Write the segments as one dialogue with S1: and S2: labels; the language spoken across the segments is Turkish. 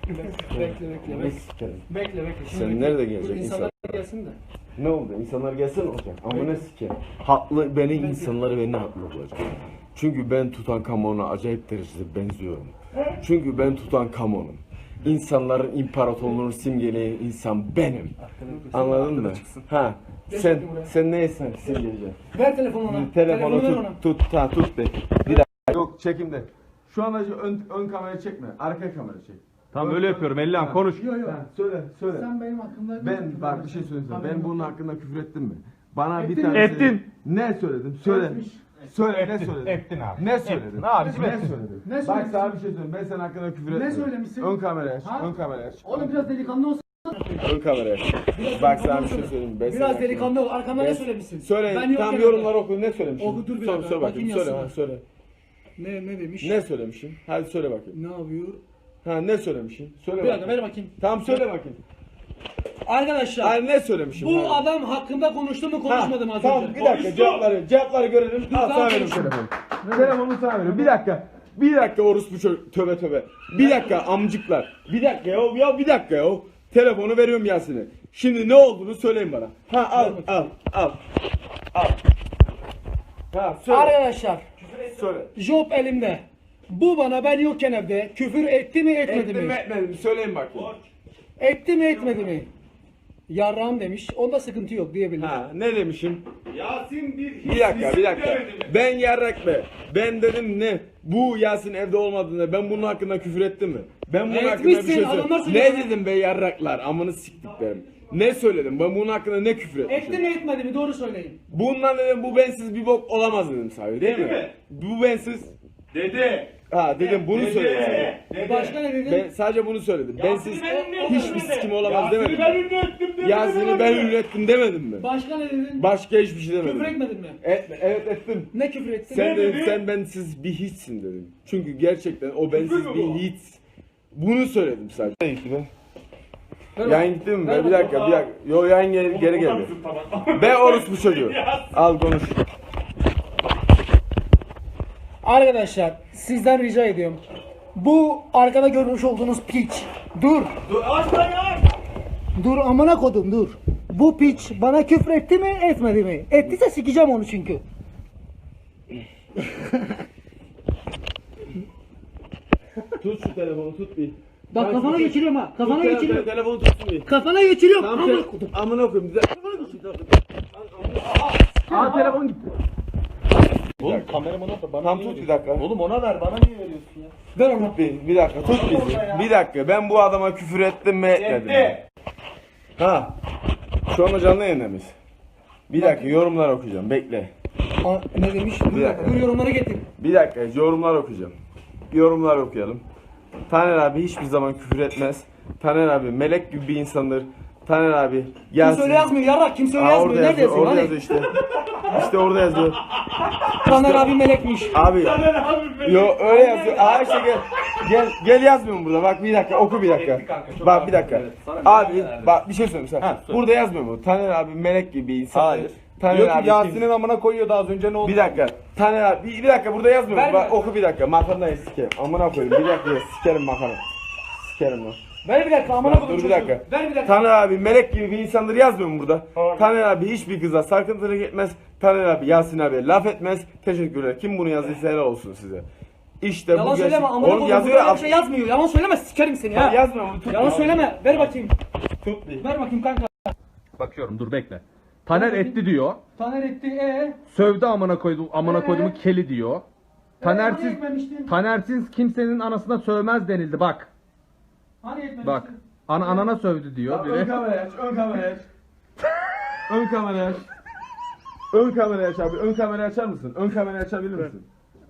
S1: Bekle. Bekle.
S2: Sen nerede gelecek
S1: insanlar gelsin de.
S2: Ne oldu? İnsanlar gelsin olacak. Ama ne sikerim. Haklı, insanları beni haklı bulacak. Çünkü ben Tutankamon'a acayip derecede benziyorum. Çünkü ben Tutankamon'um. İnsanların imparatorluğunu simgeleyen insan benim. Anladın mı? Ha. Sen neysen simgeleyeceksin.
S1: Ver telefonu ona.
S2: Telefonu tut de. Bir dakika. Yok çekimde. Şu an ön kamerayı çekme. Arka kamerayı çek.
S3: Tamam öyle yapıyorum. Ellihan konuş.
S1: Yok.
S2: Söyle.
S1: Sen benim hakkımda...
S2: Bak bir şey söyleyeceğim. Ben bunun hakkında küfür ettim mi? Bana
S1: Ettin
S2: bir
S1: mi?
S2: tane
S3: Ettin.
S2: Ne söyledim? Söyle.
S1: Etmiş.
S2: Söyle ne söyledin?
S3: Ettin abi.
S2: Ne söyledin?
S3: Ettin abi,
S2: Ne
S3: ettin.
S2: söyledin?
S1: Ne
S2: Bak
S1: söylemişsin?
S2: sana bir şey söyleyeyim. Ben senin hakkında küfür etmedim.
S1: söylemişsin?
S2: Ön kamerayı aç.
S1: Ha?
S2: Ön kamerayı aç.
S1: Oğlum biraz delikanlı olsun.
S2: Ön kamerayı aç. Bak sana bir şey söyleyeyim. Ben senin
S1: Biraz
S2: hakkında-
S1: delikanlı ol. Arkamda ne söylemişsin?
S2: Söyle.
S1: Ben yokken
S2: Tam yorumları oku. Ne söylemişim?
S1: Oku, dur bir
S2: Sor
S1: dakika,
S2: bakayım.
S1: bakayım
S2: Söyle.
S1: yazsana.
S2: Ha, söyle.
S1: Ne demiş?
S2: Ne söylemişim? Hadi söyle bakayım.
S1: Ne yapıyor?
S2: Ha ne söylemişim? Söyle
S1: Bir dakika
S2: bakayım.
S1: ver bakayım.
S2: Tamam söyle bakayım.
S1: Arkadaşlar
S2: Hayır ne söylemişim?
S1: bu
S2: Hadi.
S1: adam hakkında konuştum mu konuşmadım az
S2: Tamam
S1: önce.
S2: bir dakika cevapları görelim. Al sana
S1: tamam,
S2: veriyorum
S1: konuşun.
S2: telefonu. Telefonu sana veriyorum. Bir dakika orospu tövbe. Bir dakika amcıklar. Bir dakika ya bir dakika ya. Telefonu veriyorum Yasin'e. Şimdi ne olduğunu söyleyin bana. Ha al. Ha söyle.
S1: Arkadaşlar
S2: Söyle.
S1: job elimde. Bu bana ben yokken evde küfür etti mi etmedi
S2: Ettim
S1: mi?
S2: mi etmedim söyleyin bakayım.
S1: Etti mi etmedi mi? Yarrağım demiş. Onda sıkıntı yok diyebilirim.
S2: Ha ne demişim?
S3: Yasin
S2: Bir dakika. Ben yarrak be. Ben dedim ne? Bu Yasin evde olmadığında ben bunun hakkında küfür ettim mi? Ben bunun hakkında bir
S1: Etmişsin,
S2: şey
S1: adamlar
S2: söyledim.
S1: söylüyor.
S2: Ne dedim be yarraklar? Amını siktiklerim. Ne söyledim? Ben bunun hakkında ne küfür etmişim?
S1: Etti mi etmedi mi? Doğru söyleyin.
S2: Bundan dedim bu bensiz bir bok olamaz dedim sahibi değil
S3: Dedi
S2: mi?
S3: mi?
S2: Bu bensiz.
S3: Dedi.
S2: Ha dedim bunu söyledim.
S3: Dedi.
S1: Başka ne dedin?
S2: Ben sadece bunu söyledim. Bensiz hiçbir sikim olamaz
S3: Yasin'i
S2: demedim.
S3: ben ünlü ettim demedim.
S2: Yasin'i ben ünlü ettim demedim mi?
S1: Başka ne dedin?
S2: Başka hiçbir şey demedim.
S1: Küfür etmedin mi?
S2: Evet ettim.
S1: Ne küfür ettin?
S2: Sen
S3: Ne
S2: dedin
S3: dedi?
S2: sen bensiz bir hiçsin dedim. Çünkü gerçekten o bensiz
S3: Küfür mü
S2: bir
S3: bu?
S2: hiç. Bunu söyledim sadece. Ne gitti be?
S1: Ver
S2: Yayın
S1: bak.
S2: gitti mi
S1: Ver
S2: be? Bir
S1: bak.
S2: dakika. Yo yayın geri geldi. Be orospu çocuğu. Al konuş.
S1: Arkadaşlar sizden rica ediyorum. Bu arkada görmüş olduğunuz piç. Dur. Dur amına kodum dur. Bu piç bana küfür etti mi etmedi mi? Ettiyse sikeceğim onu çünkü.
S2: Tut şu telefonu tut bir.
S1: Bak kafana geçiriyorum ha. Kafana geçiriyorum.
S2: Telefonu tutsun bir.
S1: Kafana geçiriyorum.
S2: Tamam
S1: Amına
S2: sen
S1: kodum.
S2: amına koyayım. Aa telefon gitti.
S3: Oğlum kameramanı da bana
S2: Tam
S3: niye
S2: tut bir
S3: veriyorsun?
S2: dakika.
S3: Oğlum ona ver bana niye veriyorsun ya?
S1: Ver onu.
S2: Bir dakika tut bizi. Bir dakika ben bu adama küfür ettim mi etmedim mi?
S3: Etti.
S2: Ha. Şu anda canlı yayında mıyız? Bir dakika yorumlar okuyacağım bekle.
S1: Ne demiş?
S2: Bir dakika.
S1: Dur yorumları getir.
S2: Bir dakika yorumlar okuyacağım. Yorumlar okuyalım. Taner abi hiçbir zaman küfür etmez. Taner abi melek gibi bir insandır. Taner abi gelsin.
S1: Kimse öyle yazmıyor yarrak. Kimse öyle
S2: Aa,
S1: yazmıyor.
S2: orada
S1: Nerede
S2: yazıyor,
S1: yazıyor?
S2: orada
S1: Hani?
S2: yazıyor işte. İşte orada yazıyor.
S1: Taner abi melekmiş.
S2: Abi. Yo öyle yazıyor. Aa işte gel yazmıyor mu burada? Bak bir dakika oku bir dakika. Bak bir dakika. Abi bak bir şey söyleyeyim sen. Burada yazmıyor mu? Taner abi melek gibi bir insan.
S3: Hayır.
S2: Taner
S3: Diyor ki
S2: abi
S3: Yasin'in amına koyuyordu az önce ne oldu?
S2: Bir dakika. Taner abi bir dakika burada yazmıyor mu?
S1: Ver
S2: Bak
S1: ver.
S2: oku bir dakika. Makarnayı sikerim. Amına koyayım. Bir dakika sikerim makarna. Sikerim lan.
S1: Ver bir dakika amına kodum
S2: Dur bir
S1: çocuğu.
S2: dakika.
S1: Ver bir dakika.
S2: Taner abi melek gibi bir insandır yazmıyor mu burada?
S3: Hayır.
S2: Taner abi hiçbir kıza sarkıntılık etmez. Taner abi Yasin abi laf etmez. Teşekkürler. Kim bunu yazdıysa helal olsun size. İşte
S1: Yalan
S2: bu
S1: söyleme amına
S2: Oğlum
S1: kodum.
S2: yazıyor
S1: Burada öyle
S2: ya.
S1: bir şey yazmıyor. Yalan söyleme sikerim seni ya.
S2: Yazmıyor mu? Tut.
S1: Yalan söyleme. Ver bakayım.
S2: Tut bir.
S1: Ver bakayım kanka.
S3: Bakıyorum dur bekle. Taner etti diyor.
S1: Taner etti
S3: Sövdü amına koyduğumu keli diyor.
S1: Hani
S3: Tanersiz
S1: etmemiştin?
S3: Tanersiz kimsenin anasına sövmez denildi bak.
S1: Hani etmemiştin?
S3: Bak. Anana sövdü diyor
S2: Ön
S3: biri.
S2: kamerayı aç. Ön kamerayı aç. Ön kamerayı aç. Ön kamerayı aç abi. Ön kamerayı açar mısın? Ön kamerayı açabilir misin?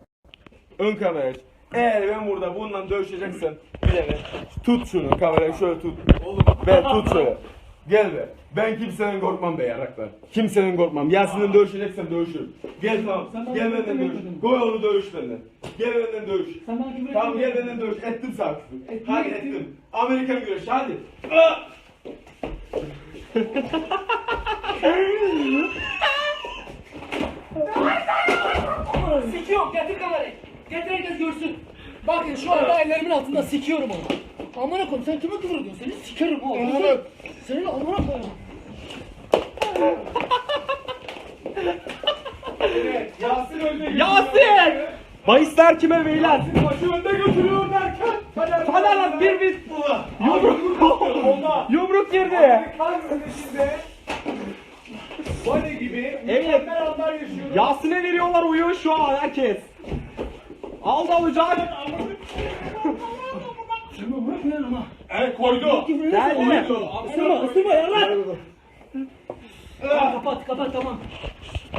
S2: Ön kamerayı aç. Eğer ben burada bundan dövüşeceksen bir de tut şunu kamerayı şöyle tut. Be tut şöyle. Gel be. Ben kimsenin korkmam be yaraklar. Kimsenin korkmam. Yasin'in dövüşeceksen dövüşürüm. Gel tamam.
S1: Sen bana
S2: Gel
S1: küfür
S2: benden dövüş.
S1: etmedin.
S2: Koy onu dövüş benden. Gel benden dövüş.
S1: Sen bana küfür
S2: Tamam gel
S1: etmedin.
S2: benden dövüş. Ettim sana küfür.
S1: Ettin,
S2: Hadi
S1: ettin.
S2: ettim. Amerikan güreşi hadi.
S1: Sikiyorum getir kamerayı. Getir herkes görsün. Bakın şu anda ellerimin altında sikiyorum onu. Amına koyayım sen kime küfür ediyorsun? Seni sikerim ha. Senin amına koyayım.
S2: Yasin önde
S4: Yasin! Bahisler kime beyler?
S2: Başı önde götürüyor derken.
S4: Taner lan bir yumruk girdi.
S2: Bane gibi
S4: Evet.
S2: mükemmel anlar yaşıyoruz.
S4: Yasin'e veriyorlar uyuyor şu an herkes. Aldı alacak.
S2: Evet koydu.
S4: Geldi.
S1: Isırma ya lan. Kapat tamam.